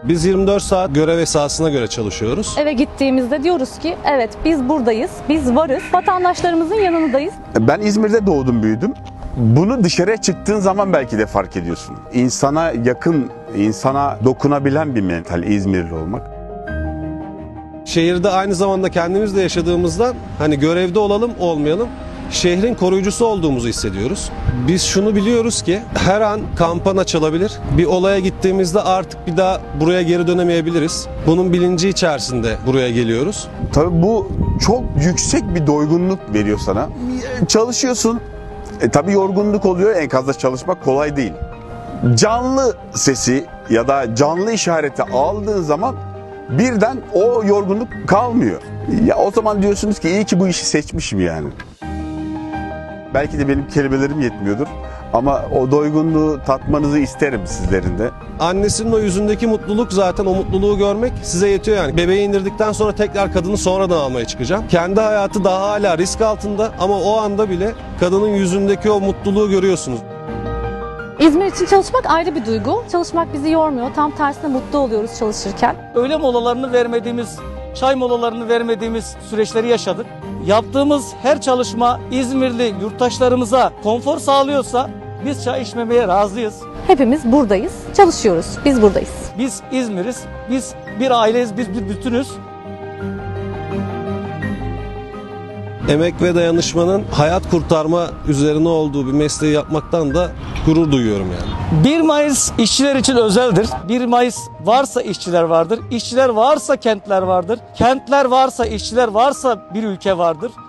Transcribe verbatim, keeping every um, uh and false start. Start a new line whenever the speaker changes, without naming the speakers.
Biz yirmi dört saat görev esasına göre çalışıyoruz.
Eve gittiğimizde diyoruz ki evet biz buradayız, biz varız, vatandaşlarımızın yanındayız.
Ben İzmir'de doğdum, büyüdüm. Bunu dışarıya çıktığın zaman belki de fark ediyorsun. İnsana yakın, insana dokunabilen bir mental İzmirli olmak.
Şehirde aynı zamanda kendimiz de yaşadığımızdan hani görevde olalım olmayalım şehrin koruyucusu olduğumuzu hissediyoruz. Biz şunu biliyoruz ki her an kampana çalabilir. Bir olaya gittiğimizde artık bir daha buraya geri dönemeyebiliriz. Bunun bilinci içerisinde buraya geliyoruz.
Tabii bu çok yüksek bir doygunluk veriyor sana. Çalışıyorsun. E, tabii yorgunluk oluyor. Enkazda çalışmak kolay değil. Canlı sesi ya da canlı işareti aldığın zaman birden o yorgunluk kalmıyor. Ya o zaman diyorsunuz ki iyi ki bu işi seçmişim yani. Belki de benim kelimelerim yetmiyordur ama o doygunluğu tatmanızı isterim sizlerin de.
Annesinin o yüzündeki mutluluk zaten o mutluluğu görmek size yetiyor yani. Bebeği indirdikten sonra tekrar kadını sonradan almaya çıkacağım. Kendi hayatı daha hala risk altında ama o anda bile kadının yüzündeki o mutluluğu görüyorsunuz.
İzmir için çalışmak ayrı bir duygu. Çalışmak bizi yormuyor. Tam tersine mutlu oluyoruz çalışırken.
Öğle molalarını vermediğimiz, çay molalarını vermediğimiz süreçleri yaşadık. Yaptığımız her çalışma İzmirli yurttaşlarımıza konfor sağlıyorsa biz çay içmemeye razıyız.
Hepimiz buradayız, çalışıyoruz. Biz buradayız.
Biz İzmir'iz, biz bir aileyiz, biz bir bütünüz.
Emek ve dayanışmanın hayat kurtarma üzerine olduğu bir mesleği yapmaktan da gurur duyuyorum yani.
bir Mayıs işçiler için özeldir. bir Mayıs varsa işçiler vardır. İşçiler varsa kentler vardır. Kentler varsa işçiler varsa bir ülke vardır.